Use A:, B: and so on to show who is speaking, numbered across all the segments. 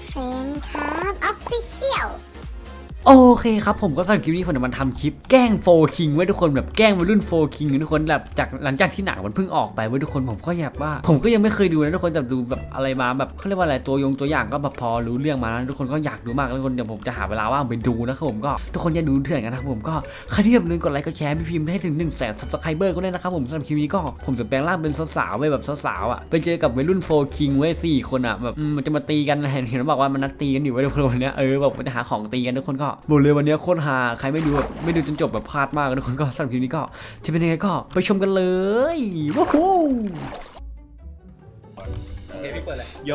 A: เซนครับออฟฟิเชียล
B: โอเคครับผมก็สำหรับคลิปนี้ผมจะมาทำคลิปแกล้งโฟคิงไว้ทุกคนแบบแกล้งวัยรุ่นโฟคิงทุกคนแบบจากหลังจากที่หนังมันเพิ่งออกไปไว้ทุกคนผมก็อยากว่าผมก็ยังไม่เคยดูนะทุกคนจะดูแบบอะไรมาแบบเขาเรียกว่าอะไรตัวอย่างก็แบบพอรู้เรื่องมาแล้วทุกคนก็อยากดูมากแล้วทุกคนเดี๋ยวผมจะหาเวลาว่างไปดูนะครับผมก็ทุกคนอย่าดูเถื่อนกันนะครับผมก็ใครที่อย่าลืมกดไลค์กดแชร์พี่พิมพ์ให้ถึง 100,000 Subscriber ก็ได้นะครับผมสำหรับคลิปนี้ก็ผมจะแปลงร่างเป็นสาวๆไว้แบบสาวๆอ่ะไปเจอกับวัยรุ่นโฟคิงไว้4 คนอ่ะแบบมันจะมาตีกันเห็นบอกว่ามันนัดตีกันอยู่ไว้ทุกคนวันนี้แบบมันจะหาของตีกันทุกคนก็บอกเลยวันนี้โคตรฮาใครไม่ดูจนจบแบบพลาดมากทุกคนก็สำหรับคลิปนี้ก็จะเป็นยังไงก็ไปชมกันเลยว้าว
C: โอเคพี่เปิดเลย
D: โย่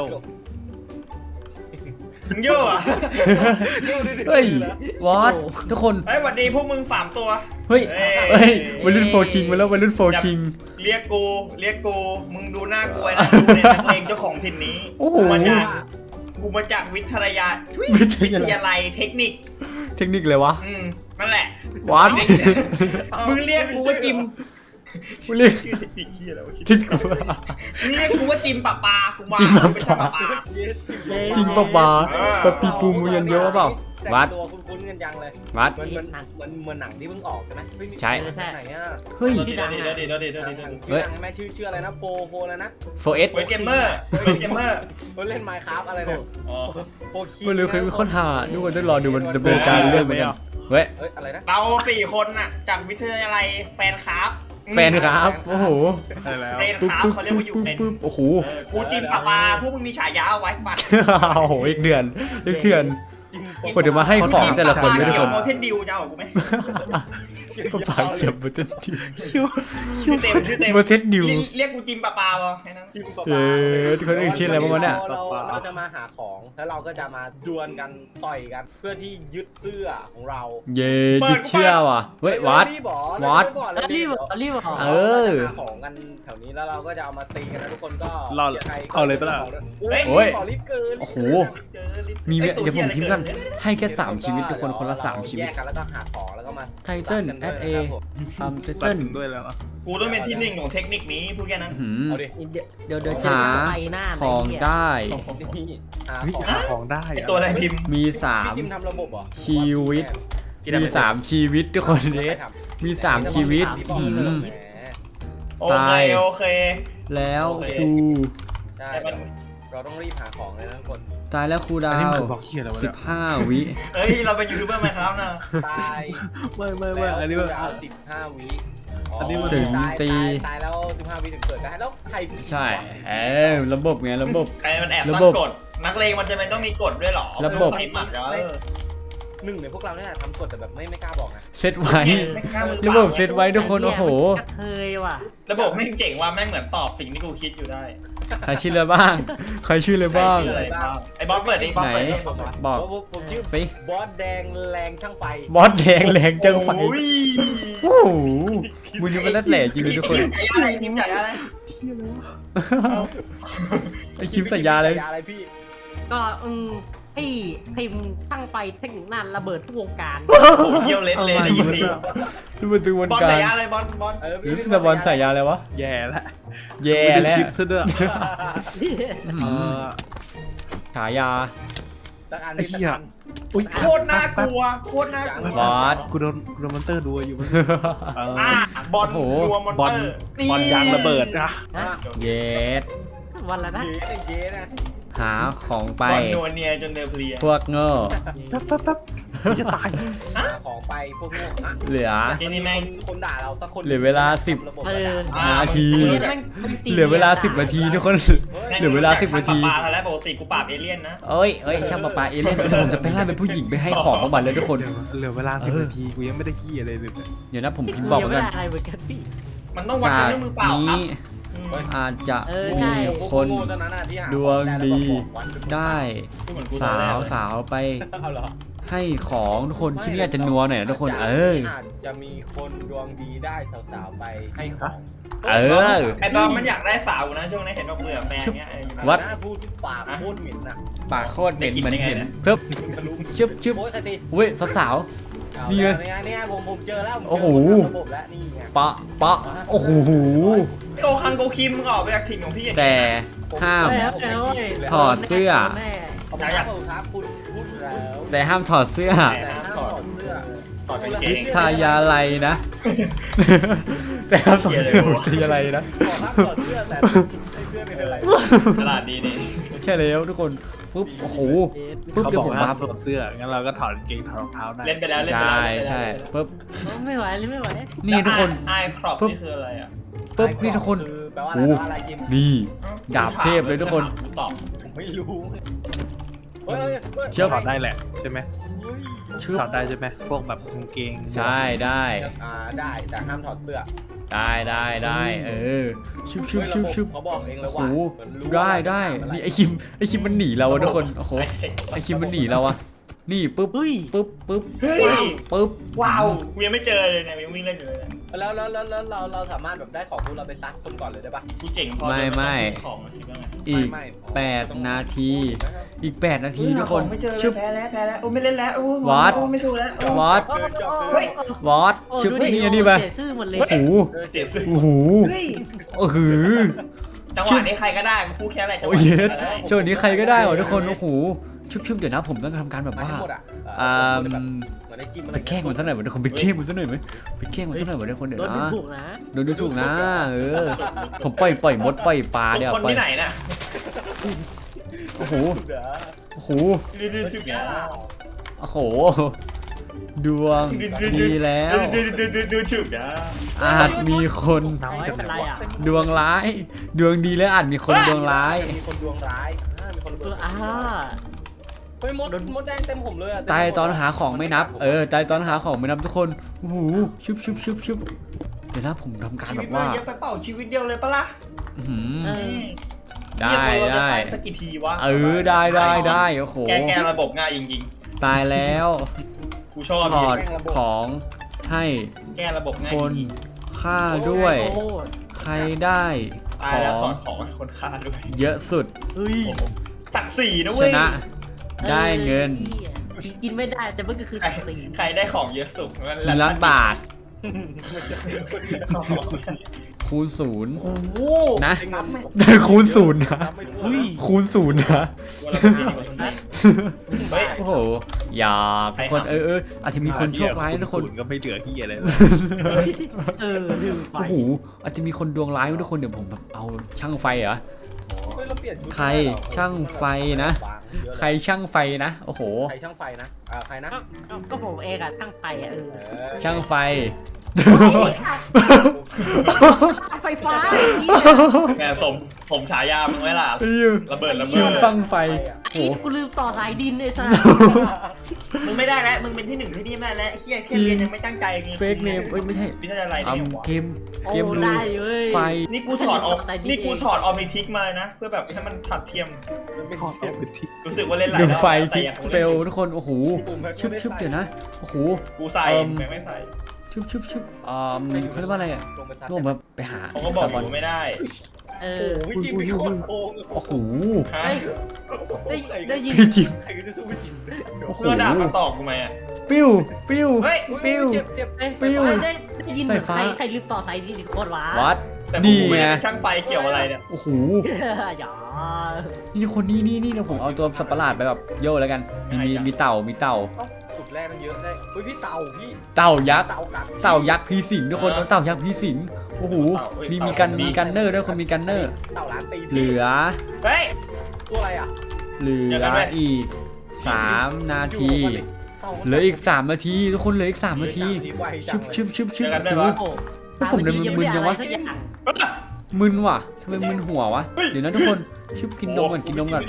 C: โย่อะ
B: เฮ้ย วอตทุกคน
C: เฮ้ยสวัสดีพวกมึง3 ตัว
B: เฮ้ยวัยรุ่นโฟคิงมาแล้ววัยรุ่นโฟคิง
C: เรียกกูมึงดูหน้ากูไว้นะกูเนี่ยนักเลงเจ้าของถิ่นนี้
B: โอ้โห
C: กูมาจากวิทยา
B: วิทยาลัย
C: เทคนิค
B: เทคนิคเลยวะ
C: นั่นแหละ
B: วอต
C: มึงเรียกกูว่าจิม
B: มึงเรียก
C: ชื่อเทคนิคเหี้ยอะไรวะ
B: ทิศกู
C: มึงเรียกกูว่าจิมปะปากูมา
B: จิมปะปา
C: ไม่ใช่ปะปา
B: จริงปะวะปะปีปูมูยันเยอะเปล่าวัด
C: ตัวคุ้นๆกันยังเลย
B: วัด
C: เหมือนหนังที่เพิ่งออกใช่ไหม
B: ใช่
C: ไหนอ่ะ
B: เฮ้ย
C: ชื่อดังชื่อดังแม่ชื่ออะไรนะโฟแล้วนะ
B: 4S
C: เวทเกมเมอร์เล่นไมค์ครับอะไรเนี่ยโฟคิง
B: ไม่รู้เคยมีค้นหาดูกันต้องรอดูมันดำเนินการเรื่องเหมือนกันเว้ย
C: อะไรนะเรา4 คนน่ะจากวิทยาลัยแฟนครับ
B: แฟนครับโอ้โห
D: ใช่แล้ว
C: แฟนครับเขาเรียกว่าอยู่เป็น
B: โอ้โห
C: กูจิมปะปาพวกมึงมีฉายาเอาไว้ปัด
B: โอ้โหอีกเดือนผมเดี๋ยวมาให้ของแต่ละคนด้วยทุกคน
C: โมเทนดิวจะเอากูไหม
B: ปากเสียบโมเทนดิว
C: ชื่อเต็ม
B: โมเทนดิว
C: เรียกกูจิมปะปาป่ะแค่นั้น
B: คนอื่นชื่ออะไรบ้างวะเนี่ย
E: เราจะมาหาของแล้วเราก็จะมาดวลกันต่อยกันเพื่อที่ยึดเสื้อของเรา
B: เย้ดิเชื่อว่ะเฮ้ยวัด วัด
E: รีบ
B: เออ
E: หาของกันแถวนี้แล้วเราก็จะเอามาตีกันนะทุกคนก็
D: รอเอาเลยปะล่ะ
B: โอ้ย
E: ขอรีบเกิน
B: โอ้โหมีเดี๋ยวผมพิมพ์กันให้แค่3 ชีวิตทุกคนคนละ3 ชีวิต
E: แยกกันแล้วก็หาของแล้วก็มา
B: ไทเทิลแอดเอไทเทิล
D: ด้วยแล้ว
C: กูต้องเป็นที่1ของเทคนิคนี้พูดแค่นั้น
E: เอาดิ
F: เดี๋ยวเจอ
B: หา
F: ไฟหน้า
B: ของได้
E: นี่หา
D: เฮ้ย
E: ของ
D: หาของได้
C: ไอตัวอะไรพิมพ์
B: มี
E: พี่จิมทำระบบเหรอ
B: ชีวิต มี3 ชีวิตทุกคนเดสมี3 ชีวิต
C: โอเค
B: แล้วครู
E: ใช่เราต้องรีบหาของเลยนะทุกคน
B: ตายแล้วครูดา
D: อันนี้
B: ว
D: มันบอกเขียอะไรวะเนี่ย
B: 15 วิ
C: เฮ้ยเราเป็นยูทูบเบอร์ไหมครับนะ
E: ตาย
D: ไม่อันนี้
E: แล้
D: มั
E: วน เอา15 วิ
D: อันนี้มัน
B: ถึงตี
E: ตายแล้ว15 วิถึงเกิดได้แล้วใคร
B: ใช่ระบบไงระบบ
C: ใครมันแอบ
B: ระ
C: ตั้
B: บบ
C: งกฎนักเลงมันจะเป็นต้องมีกฎด้วยหรอ
B: ระบบ
C: สลิปหมัดเหรอ
E: หนึ่งในพวกเราเนี่ยทำกฎแต่แบบไม่กล้าบอกนะ
B: เซตไว้ ระบบเซตไว้ทุกคนโอ้โห
F: เคยว่ะ
C: ระบบแม่งเจ๋งว่าแม่งเหมือนตอบสิ่งที่กูคิดอยู่ได้
B: ใครชื่ออะไรบ้าง ใครชื่ออะไรบ้าง
C: ใครชื่ออะไรบ้างไอ้บอสเปิดดิบอสเปิดดิ
B: บอก
E: ผมชื่อ
B: สิ
E: บอสแดงแรงช่างไฟ
B: บอสแดงแรงจังไฟ
C: โอ้ย
B: โอ้โหมึงนี่มันนัดแหล่จริงเลยทุกคน
C: ทีมใหญ่อะไร
B: ไอคลิปสัญญาเลย
E: อะไรพี่
F: ก็ให้พิมพ์ช่างไฟเทคนิคนั่นระเบิดทุกวงการ
C: โอ้เยี่ยวเละเลยในยิปนี้
B: นี่มันตึงวัน
C: บอล
B: กา
C: ใส่
B: ร
C: ยาอะไรบอล
B: หรือสปอนใส่ยาอะไรวะ
D: แย่ละ
B: แย่แล้ว
D: คลิปซะด้วยเออ
B: ฉายา
E: สักอัน
D: ไอ้เหี้ย อุ้ย
C: โคตรน่ากลัวโคตรน่ากลัว
B: บอส
D: กูโดนมอนเตอร์ดูอยู่มันเออ
C: บอล
B: โอ้โห
C: รัวมอน
D: บอล
C: เตอร์
D: บอลยางระเบิดนะ
B: เย็ด
F: วันละนะ
E: เย้นะ
B: หาของไป
C: บอลนัวเนียจนเดือเพลีย
B: พวกโง่
D: แป๊บจะตาย
E: หาของไปพวกโง่อะ
B: เหลือ
C: ทีนี้แม่ง
E: คนด่าเราสักคน
B: เหลือเวลา10
E: ระบบ
F: เออ
B: นาที เหลือเวลา10 นาทีทุกคน เหลือเวลา10 นาที
C: ปลาแล้วปกติกูปราบเอเลี่ยนนะ
B: เอ้ยช่างปะปาเอเลี่ยนเดี๋ยวผมจะไปไล่เป็นผู้หญิงไปให้ของของมันเลยทุกคน
D: เหลือเวลา10 นาทีกูยังไม่ได้ขี้อะไรเลย
B: เดี๋ยวนะผมพิมพ์บอก
F: ยัง
B: เหมื
F: ไม่
B: อนกัน
F: ได้อะไรเหมือนกันพี่
C: มันต้องวัด
B: จา
C: กัน
B: ก
C: ด้วยมือเปล่าครั
B: นี้
C: บ
B: อาจจะ
F: ใช่
B: มีคน ดวงดีได้สาวไป
E: เอาเหรอ
B: ให้ของทุกคนที่นี่อาจจะนัวหน่อยนะทุกคนอา
E: จจะมีคนดวงดีได้สาวๆไปให้ของ
B: เออ
C: ไอ้บอลมันอยากได้สาวนะช่วงนี้เห็นว่าเบื่อแฟนเงี้ย
B: วัด
E: พูดปากพูดหมิ่นนะ
B: ปากโคตรเหม็นเหมือนเห็นเพิ่มชึบ
E: โอ้ยคดี
B: อุ้ยสาว นี่ไง
E: นี่ผมเจอแล้ว
B: โอ้โห
E: ระบบแล้วนี่ไง
B: ปะโอ้โห
C: โอคังโกคิมมึงออกไปจากถิ่นของพี่
B: แต่ห้าม ถอดเสื้อ
E: ขอบคุณครับคุณพูดแล้ว
B: แต่ห้ามถอดเสื้อ
E: แต่ห้ามถอดเสื้อ
C: ถอดกางเกง
B: ทายาอะไรนะ แต่ห้ามถอดเสื้อผมทายาอะไรนะ
E: ขอห้ามถอดเสื้อแต่ใส่เสื้อไม่เป็นไร
C: ตลาดนี้นี่
B: แค่แล้วทุกคนปุ๊บโอ้โหปุ๊บ
D: เขา
B: เดี๋ย
D: บ
B: ว
D: อก
B: ผม
D: ห้า
B: บั
D: ม
B: ฟ
D: ถอดเสื้องั้นเราก็ถอดกางเกงถอดรองเท้าได้
C: เล่นไปแล้วเล่นไป
B: ใช่
C: แล้ว
B: ใช่ปุ๊บ
F: ไม่ไหวเลยไม่ไหว
B: นี่ทุกคน
C: ไอครอปนี่คืออะไรอ่ะ
B: ปุ๊บนี่ทุกคน
E: คือแปลว่าอะไรแปลว่าอะไรจิม
B: นี่ดาบเทพเลยทุกคน
C: กูตอบ
E: ผมไม่รู้เฮ้ย
B: เชื่อ
D: ถอดได้แหละใช่ไหม
B: เชื่อ
D: ถอดได้ใช่ไหมพวกแบบกางเกง
B: ใช่ได้
E: ได้แต่ห้ามถอดเสื้อ
B: ได้เออชุบชุบ
E: เฮ้ย
B: ชุบชุบ
E: เขาบอกเองเลย
B: โอ้โห
E: ว่าเหมือนรู้
B: ได้นี่ไอคิมมันหนีเราอะทุกคนโอ้โหไอคิมมันหนีเราอะนี่ปุ๊บ
F: เฮ้ย
B: ปุ๊บ
C: เฮ้ย
B: ปุ๊บ
C: ว้าวกูยังไม่เจอเลยเนี่ยยังวิ่งเล่นอยู่เลยเนี่ย
E: แล้วเราสามารถแบบได้ของพวกเราไปซักคนก่อนเลยได้ปะ
C: กูเจ๋งพอ
B: ไม่
C: ของมาคิดว่าไง
B: อีก
E: ไม่
B: 8 นาทีอีก 8 นาทีทุกคน
C: ไม่เจอ
B: ชึบ
C: แพ้แล้วโอ้ไม่เล่นแล้วโอ้
B: What?
C: ไม่สู้แล้ว
B: วอต
C: เฮ้ย
B: วอต
F: โอ้
B: ชึบ
F: ดูดิ
B: นี่อันนี้ไป
F: เสียซื่อหมดเลย
B: โอ้โห
C: เสียสื่อ
B: โอ้โห
C: เฮ้ย
B: โอ้โห
C: จังหวะนี้ใครก็ได้กูพูดแค่อะไรจังห
B: โอ้
C: วะ
B: ยเย็ด
C: อะไร
B: ช่วงนี้ใครก็ได้หมดทุกคนโอ้โหชุบเดี๋ยวนะผมต้องทำการแบบ
E: มา
B: ว่า
E: ทั้งหมดอ่ะ
B: อ่า
E: เหมือนได้จิ้ม
B: ไปแกล้งมันสักหน่อยทุกคนไปแกล้งมันสักหน่อยไหมไปแกล้งมันสักหน่อยทุกคนเดี๋ยว
F: โดนดู
B: นะ
F: ถูกนะ
B: โดนดูถูกนะผมปล่อยมดปล่อยปลาเดี๋ยว
C: คน
B: ปล่อย
C: ที่ไหนน่ะ
B: โอ้โหโอ้โห
C: ดื้อๆชุบเนี่ย
B: โอ้โหดวงดีแล้ว
C: ดื้อๆชุบเนี่ย
B: อาจมีคน
F: น้อยเป็นไรอ่ะ
B: ดวงร้าย ดวงดีแล้วอาจมีคนดวงร้าย
E: มีคนดวงร้ายมีคนดวง
F: อ่า
E: เฮ้ยมดแดงเต็มผมเลยอ่ะ
B: ตายตอนหาของไม่นับตายตอนหาของไม่นับทุกคนโอ้โหชุบเดี๋ยวนะผมทำการ
C: ชี
B: แบ
C: วิต
B: บ
C: มัน
B: ว่า
C: เยอะไปเปล่าชีวิตเดียวเลยปะล่ะ
B: อื้อหือ
F: เออ
B: ได้
C: สักกี่ทีวะ
B: ได้โอ้โห
C: แกระบบง่ายจริง
B: ตายแล้ว
C: ๆกูชอบ
B: ถอดของให้
C: แกระบบง่าย
B: คน
C: จริง
B: ฆ่าด้วย
F: โอ้โห
B: ใครได้
C: ๆตา
B: ข
C: ยแล้ว
B: อ
C: ถอง ดของให้คนฆ่าด้วย
B: เยอะสุด
F: เฮ้ย
C: โอ้โหศักดิ์ศรีนะ
B: ช
C: เว้ย
B: นะ ได้เงิน
F: กินไม่ได้แต่มันก็คือ
C: ใคร
F: ศักดิ์ศรี
C: ใครได้ของเยอะสุดนั่นแห
B: 1 ล้านบาท
C: โอ้โห
B: คูณศูนย์
C: โอ้โห
B: นะคูณศูนย์นะ
E: เฮ้ย
B: คูณศูนย์นะ
C: วันละคนดีกว่าสิเฮ้ย
B: โอ้โห อยากทุกคนอาจจะมีคนโชคร้ายนะทุกคน
D: ศูย์ก็ไม่เหลือที่อะไรเลย
F: ลืมไฟ
B: โอ้โห อาจจะมีคนดวงร้ายนะทุกคนเดี๋ยวผมแบบเอาช่างไฟเหรอ ใครช่างไฟนะ ใครช่างไฟนะ โอ้โห
E: ใครช่างไฟนะใครนะ
F: ก็ผมเองอะช่างไฟอะ
B: ช่างไฟ
F: ไฟฟ้า
C: แกผมฉายามึงไว้ล่ะระเบิด
B: คิวฟังไฟ
F: ไอ้กูลืมต่อสายดินไอ้สัส
C: มึงไม่ได้แล้วมึงเป็นที่หนึ่งที่นี่แม่แล้วเฮียแค่เรียนยังไม่ตั้งใจมี
B: เฟกเนมไม่ใช่
C: วิทยาลัยเนี่ย
B: เกม
F: โอ้
B: เกมรู
F: ได้เว้ย
B: ไฟ
C: นี่กูถอดออกนี่กูถอดออมนิทิกมานะเพื่อแบบให้มันถัดเทียมรู้สึกว่าเล่นหลาย
B: ดู
C: รอบ
B: ไฟ
C: แต่
B: ที่
C: ยังคง
B: เฟ
C: ล่น
B: ล
C: อยู่
B: ทุกคน โอ้โห ชุบเดี๋ยวนะ โอ้โห
C: กูใส่
B: เอิ่ม
C: ไม่ใส่
B: ชุบเขาเรียกว่าอะไรอ่ะ
E: ลงไปซัด
B: ก็ผมแบบไปหา
C: ผมก็บอกอยู่ไม่ได้
F: เอ
E: โอ้
F: อ
E: โหจิมมีโคตรโกง
B: โอ้โห
C: ฮะ
F: ได้ยิน
B: พี่จิม
E: ใครจะสู้ไม่จิม
B: โอ้โห
C: เพื่อด่ามาตอกกูไหมอ่ะ
B: ปิ้ว
C: เฮ้ย
B: ปิ้ว
E: เจ็บ
B: ปิ้ว
F: ได้ยินเหมือนใครลืมต่อสายดินอีกคนวะ
B: วัด
C: แต่
B: นี่
C: กูไม่
B: ไง
C: ได้เป็นช่างไฟเกี่ยวอะไรเนี่ย
B: โอ้โห
F: อย่า
B: นี่คนนี้นี่เดี๋ยวผมเอาตัวสัตว์ประหลาดไปแบบโย่แล้วกัน มีเต่า
E: สุดแรกมันเยอะได้เฮ้ยพี่เต่าพี่
B: เต่ายักษ์
E: เต่ากัด
B: เต่ายักษ์พีสิงทุกคนเอาเต่ายักษ์พีสิงโอ้โห มีกันเนอร์ด้วยคนมีกันเนอร์
E: เต่าล้านปี
B: เหลือ
C: เฮ้ย
E: ตัวอะไรอ่ะ
B: เหลืออีก 3 นาที เหลืออีก 3 นาที ทุกคนเหลืออีก 3 นาที ชุบ
C: เจอกันได้
B: โอ้
C: ปะ
B: โห
F: โอ้
B: ผมเลยมึนๆยังวะ
F: สักอย่าง
B: มึนว่ะทำไมมึนหัววะ เดี๋ยวนะทุกคนชุบกินนมก่อนงำ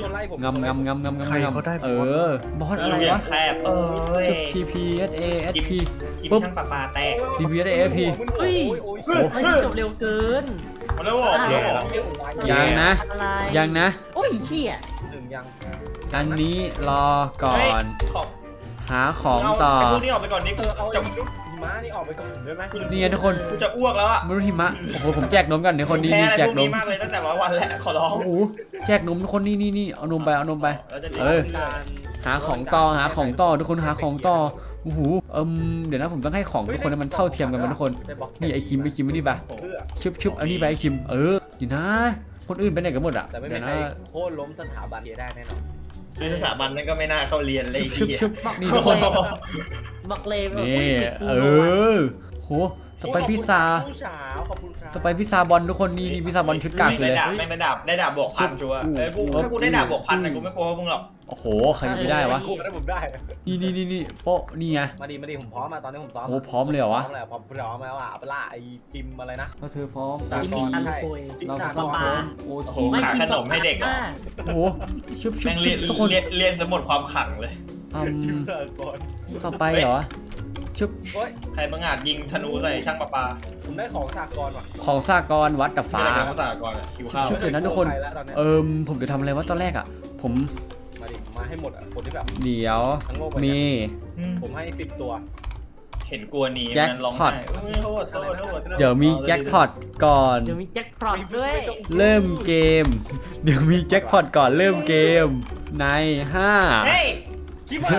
B: บอสอะไรวะ
C: แคบเอ้ย
B: ชุบ TP SA
C: กิ
B: SP
C: กิน
B: ปุ๊บ
C: ช่างปลาปลาแตก
B: TP SA SP
F: เฮ้ยไม่จบเร็วเกิน
C: มาแล้วบอกแล้วบอก
B: ยังนะ
F: อะไร
B: ยังนะ
F: โอ้ยเชี่ย
E: ยัง
B: อันนี้รอก่อน
C: ขอบ
B: หาของต่อ
C: ไอ้พวกนี้ออกไปก่อนนี่กู
E: เอา
C: จะ
E: หิมะนี่ออกไปก่อนได้ไหม
B: นี่ไงทุกคน
C: กูจะอ้วกแล้วอ่ะ
B: มรุหิมะโอ้โหผมแจกนมกันเดี๋ยวคนนี้
C: แพ้
B: นี่
C: อะไร
B: แจ
C: พ
B: ก
C: วก
B: น
C: นี้
B: ม
C: มากเลยตั้งแต่วันแล้วขอร้อง
B: โอ้โหแจกนมทุกคนนี่เอานมไป
C: แล้วจะ
B: เออ หาของต่อทุกคนหาของต่อโอ้โหเดี๋ยวนะผมต้องให้ของทุกคนให้มันเท่าเทียมกันทุกคนนี่ไอคิมนี่ไปชุบเอานี่ไปไอคิมอยู่นะ คนอื่นไปไหนกันหมดอ่ะ
E: แต่ไม่มี
B: เดี๋ยว
E: ใคร
B: นะ
E: โค่นล้มสถาบันได้แน่นอน
C: ในสถาบันนั้นก็ไม่น่าเข้าเรียนเลย
B: ชุบ
C: ไอ้
B: ชุบ
C: เหี้ย
B: นี่ทุกคน
F: บอกเลย
B: นี่โหสไปพิซซ่า
E: ผู้สาวขอบคุณครับ
B: สไปพิซซ่าบอลทุกคนนี่พิซซ่าบอลชุดกากเลย
C: ได้ดาบบวกพันชัวร์ถ้ากูได้ดาบบวกพันนะกูไม่กลัวมึงหรอก
B: โอ้โหใครจะไม่ได้วะ
E: กูได้ผมได้
B: นี่โป๊ะนี่ไง
E: มาดีผมพร้อมมาตอนนี้ผมพร้อม
B: โอ้พร้อมเลยเหรอวะ
E: พร้อมแล้วพร้อมแล้วอ่ะเอาไปล่าไอ้จิมอะไรนะ
B: ถ้าเธอพร้อม
E: ตา
F: ที่
E: ก่
F: มี
E: อน
F: อัน
E: ใช่
F: คุย
B: เราก็
F: ป
B: พร้อ
F: ลา
B: มโอ้
C: โอ้โหขายขนมให้เด็กเหรอ
B: โหชุบ
C: แม่งเรียน
B: ทุกคน
C: เรียนสมุดความขังเลย
E: จิมเสิร์ฟก่อน
B: ต่อไปเหรอชุบ
E: โอ้ย
C: ใครบังอาจยิงธนูใส่ช่างประปา
E: ผมได้ของสากลว่ะ
B: ของสากรวัดกับฟ้า
C: อะไรกันภาษาก่อนหิวข้าว
B: ชุบ เดี๋ยวนะทุกคน
E: ใรแล้วตอนเนี้ย
B: ผมจะทำอะไรวะตอนแรกอ่ะ ผม
E: มาดิมาให้หมดอ่ะคนที่แบบ
B: เดี๋ยว
E: ทั้งโลก
B: มี
E: ผมให้10ตัว
C: เห็นกลัวหนี
B: แจ็ค
C: มันร้อง
B: พอ
C: ไห้
B: ต
C: โทษ
B: เดี๋ยวมีแจ็คพอตก่อน
F: เดี๋ยวมีแจ็คพอตด้วย
B: เริ่มเกม เดี๋ยวมีแจ็คพอตก่อนเริ่มเกม ใน
C: เฮ้ย
E: คิดว่า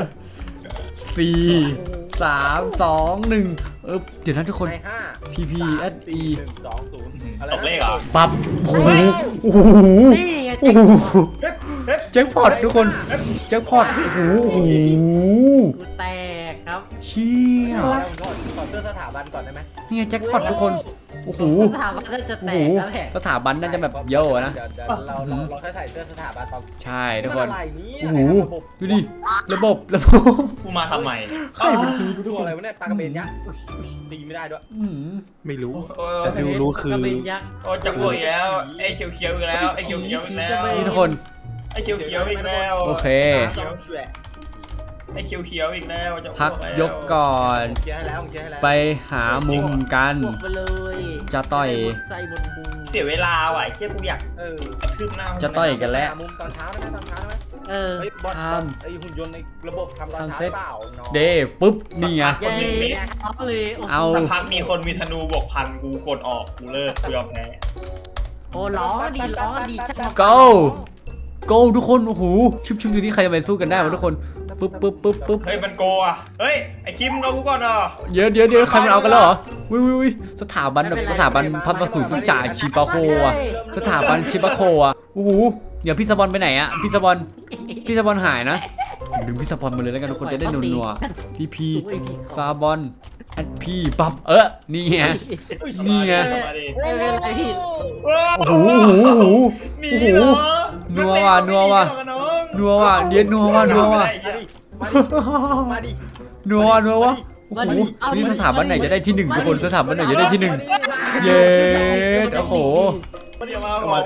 B: 5 4 3 2 1เดี๋ยวนะทุกคน
E: ใน5
B: TP at E
E: 1 2 0อะไร
C: ตกเลขเหรอ
B: ปั๊บโอ้โหโอ้โห
F: นี่ไง
B: โอ้โหแจ็คพอตทุกคนแจ็คพอตโอ้โหโอ้โห
F: กูแตกครับ
B: เชี่ย
E: ขอเสื้อสถาบันก่อนได้ไหม
B: เนี่ยแจ็คพอตทุกคนโอ้โห
F: ถามว่าน่าจะ
B: โอ้
F: แต
B: โห
F: กแล้วแหละ
B: สถาบันน่าจะแบบเยอะนะ
E: เดี๋ยวเราแค่ใส่เสื้อสถาบันตอน
B: ใช่ทุกคน
E: อะไรนี่
B: โอ้โห ดูดิ ระบบ
C: กูมาทำไม
B: ใครเป็นทีม
E: ตัวอะไรวะเนี่ยปลากระเบนยักษ์ตีไม่ได้ด้วย
D: ไม่รู้
C: โอ้ย
D: แต่ที่รู้คือก
F: ระเบนยักษ์
C: โอ้ยจังหวะอีกแล้วไอ้เขียวๆอีกแล้วไอ้เขียวๆอีกแล้ว
B: นี่ทุกคน
C: ไอ้เขียวๆอีกแล้ว
B: โอเค
C: ไอ้เขียวๆอีกแล้วจะ
B: พักยกก่อน
E: ผมเคลียร์ให้แล้วผมเคลียร์ให้แล้ว
B: ไปหามุมกัน
F: บวกไปเลย
B: จะต่อย
F: ใจบนพุง
C: เสียเวลาว่ะไอ้เชี่ยกูอยาก
E: เออก
C: ระทืบหน้า
B: จะต่อยกันแล้ว
E: มุมตอนเช้าได้ไหมตอนเช้าได้ไหม
F: เออ
E: เฮ้ยบอส
B: ทำ
E: ไอหุ่นยนต์ในระบบทำตอนเช้า
B: ทำเซ็ต
E: เปล่าน้อง
B: เดปุ๊บ นี่ไง
F: เย้เอาเลยโอ้โห
B: เอา
C: สักพักมีคนมีธนูบวกพันกูกดออกกูเลิกกูยอมแพ้
F: โอ้ร้องดีช่างมา
B: go go ทุกคน โอ้โห ชุบดูที่ใครจะไปสู้กันได้วะทุกคน ปึ๊บ
C: เฮ้ยมันโกอ่ะเฮ้ยไอ้คิมมึงเอากูก่อนเหรอ
B: เดี๋ยวใครมันเอากันแล้วเหรอวิสถาบันแบบสถาบันพัฒนาศึกษาชิปาโคอะสถาบันชิปาโคอะโอ้โหเดี๋ยวพี่สปอนไปไหนอะพี่สปอนหายนะดึงพี่สปอนมาเลยแล้วกันทุกคนจะได้นัวๆพีซาบอนแอดพีปั๊บนี่ไง นี่ไง
C: มาดิ
F: ไม่เป็นไรพี่
B: โอ้โห
C: หนีเหรอ
B: นัวว่ะเดี๋ยวนัวว่ะ
E: มาดิ
B: นัววะโอ้โหนี่สถาบันไหนจะได้ที่หนึ่งทุกคนสถาบันไหนจะได้ที่หนึ่งเย้โอ้โห
C: เดี๋ยวมาบอก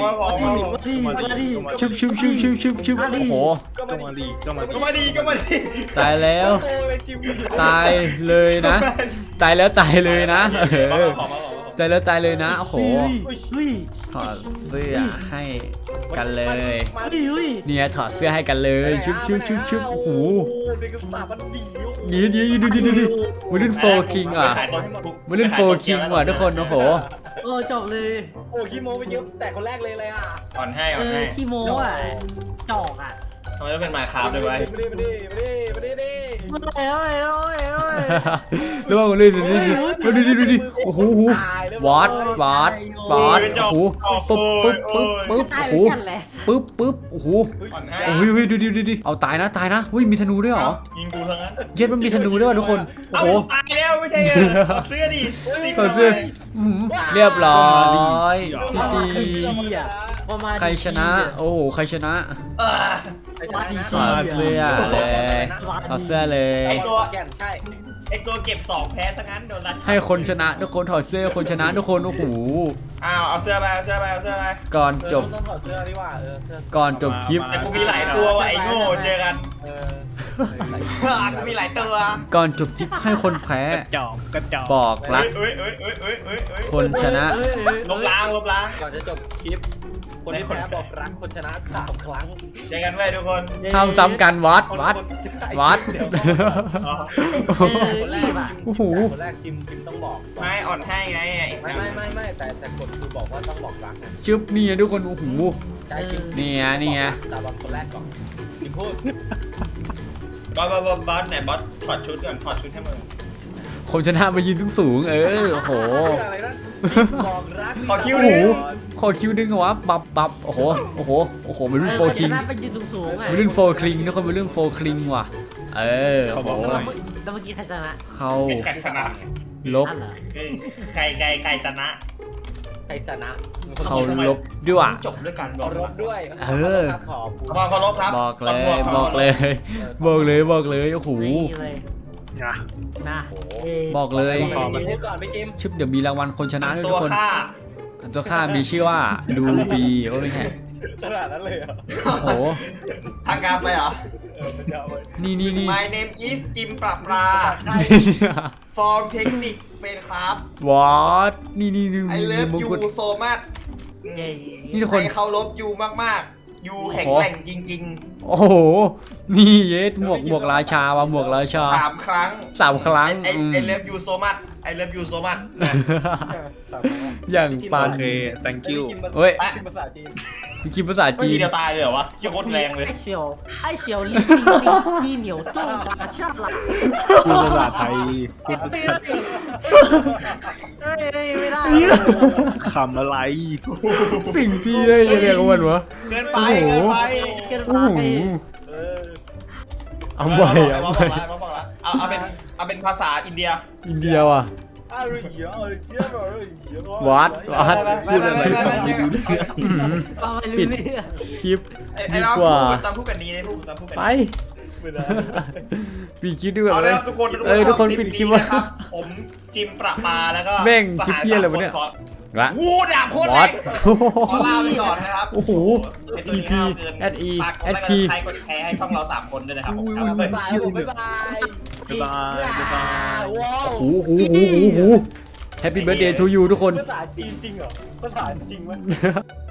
B: ชุบโอ้โห
D: ก็มาดีก็มาดี
C: ก็มาดี
B: ตายแล้วตายเลยนะตายเลยนะตายเลยนะโอ้โหถอดเสื้อให้กันเลยเนี่ยถอดเสื้อให้กันเลยชุบโอ้โห
E: เด็กสถาบันดี
B: ดีมาเล่นโฟคิงอ่ะมาเล่นโฟคิงว่ะทุกคนโอ้โห
F: โอ้จบเลย
E: โอ้ขี้โม้ไปเยอะแต่คนแรกเลยอ่ะ
C: อ่อนให้
F: ขี้โม้อ่ะจอกอ่ะ
C: ทำไมต้องเป็นมาคาร์ด้วยวะ
E: ไม่ได้
B: แล้วมาเล่นดูโอ้โหวัดโอ้โหปึ๊บโอ้
F: ตาย
B: โห
F: เหมือนกันแหละ
B: ปึ๊บโอ้โห
C: อ่อนให้
B: โอ้ยดูเอาตายนะมีธนูด้วยเหรอ
C: ยิงกูทั้งนั้น
B: เย็ดมันมีธนูด้วยว่ะทุกคนโอ้
C: เอา
B: โห
C: ตายแล้วไม่ใช่เสื้อดิ
B: ถอดเสื้อเรียบร้อยจีจี
F: ประมาณ
B: ใครชนะโอ้โหใครชนะ ถอดเสื้อเลยถอดเสื้อเลย
E: ไอตัวแก่นใช่
C: ไอตัวเก็บ2แพ้ซะงั้นโดนรัด
B: ให้คนชนะทุกคนถอดเสื้อคนชนะทุกคนโอ้โห
C: อ้าวเอาเสื้อไป
B: ก่อนจบ
E: ต้องถอดเสื้อดีกว่าเสื้อ
B: ก่อนจบคลิป
C: แต่กูมีหลายตัวว่ะไอ้โง่เจอกัน กูมีหลายตัว
B: ก่อนจบคลิปให้คนแพ้
D: กระจอก
B: บอกรัก
C: เอ้ย
B: คนชนะ
C: ลบล้าง
E: ก่อนจะจบคลิป คนที่แพ้บอกรักคนชนะ3 ครั้ง
C: เจอกันไว้ทุกคน
B: ทำซ้ำกันวัด
E: คนแรก
B: โอ้โห
E: คนแรกจิมต้องบอก
C: ไม่อ่อนให้ไง
E: ไม่แต่กฎคือบอกว่าต้องบอกรักนะ
B: ชึบนี่ทุกคนโอ้โห
E: ใจจริง
B: นี่ไง
E: สาบานคนแรกก่อนจิมพูด
C: บอสไหนบอสถอดชุดก่อนถอดชุดให้มึง
B: คนชนะมายืนสูงโอ้โห
E: อะไรนะบอกรัก
C: ขอคิว
B: โอ้
C: ดิ
B: โหขอคิวดึงเหรอวะบับโอ้โหวัยรุ่นโฟคิง
F: ไปยืนสูงๆอ่ะ
B: วัยรุ่นโฟคิงทุกคนวัยรุ่นโฟคิงว่ะโอ้โห
F: แล้วเมื่อกี้ใครชนะ
B: เขา
C: เป็นใครชนะ
B: ลบ
F: อันเหรอ
C: ใครชนะ
E: ไทยชนะ
B: เขาลบด้วย
C: จบด้วยการ
E: ขอรบด้วย
B: เออ
E: ขอบคุณ
C: ความเคารพครับ
B: บอกเลย
C: ความ
B: บอกเลยบอกเลยโอ้โห
F: นี่เลย
D: นะ
F: นะ
B: บอกเลย
E: ไปพูดก่อนไปจิม
B: ชิปเดี๋ยวมีรางวัลคนชนะด้วย
C: ตั
B: ทุ
C: ว
B: กคน
C: ฆ่า
B: ตัวข้ามีชื่อว่าลูบีโอ้ไม่ใช่
E: ขนาดนั้นเลยเหรอ
B: โอ้โห
C: ทางการไปเหรอ
E: มันจะเอาไป
B: นี่
C: My name is จิมปรับปลา Form Technic เป็นครับ
B: วอตนี่
C: I love
B: มง
C: you
B: กุฎ
C: so much
B: นี่ทุกคน
C: ใครเคารพยูมากๆยูแข็งแกร่งจริง
B: โอ้โหนี่เยสหมวกราชาว่ะหมวกราชา
C: ๆ3 ครั้ง
B: 3 ครั้ง
C: I love you so much I love you so much
B: อย่างปั
D: โอน เค thank you
B: เฮ้ย
E: คิมภาษาจีน
B: พี่คิดภาษา
C: ไม่
B: จี
C: มี
B: น
C: เดียวตายเลยเหรอวะเชี่ยโคตรแรงเลย
F: ไอเฉียวลิที่เหนียวจ้องกาชาติหลัก
D: พูดภาษาไทยพูดภาษา
F: เฮ้ยไม่ได้
D: คำอะไร
B: สิ่งที่ได้เรียกว่ามันวะ
C: เกินไป
B: โอ้โห
C: เกินไป
F: เกิน
B: โอ้
F: ไป
B: โห
E: เออ
B: เอาไป
C: บอกแล้วเอาเป็นภาษาอินเดีย
B: อินเดียว่ะ
E: อะไรเยอะอะไรเจ้าอะไรเยอะ
B: วัด
D: พูดอะไรฟังไม่รู้เรื่อง
F: ฟังไม่รู้เรื่อง
B: คลิป
C: ไอ้
B: ดี
C: เรา
B: กว่า
C: พูดตามพูดกันนี้เลยพูดตามพูดกัน
B: ไป
C: นี้
E: ไม่ได้
B: ปีคลิปด้วย
C: เอา
B: เล
C: ละ
B: ย
C: ครับทุกคน
B: ทุกคนปิดคลิป
C: นี้
B: ว่า
C: นะครับผมจิมประปาแล้วก็
B: แม่งคลิปเหี้ยอะไรวะเนี่ย ละ
C: วูดาบโคตร
B: ว
C: แร
B: อต
C: งขอลาไปก่อนนะครับ
B: โอ้โห
C: ไอ้ตัวนี้
B: TP
C: ห้าวเกิน
B: SE
C: ฝากกดไลค์กด
B: ST
C: ใครกดแชร์ให้ช่องเรา3 คนด้วยนะครับผม
E: บ๊ายบายบ๊ายบาย
D: บ๊ายบายบ๊ายบาย
E: ว้าว
B: โอ้โห Happy birthday to you ทุกคน
E: ภาษาจีนจริงเหรอภาษาจริงมั้ย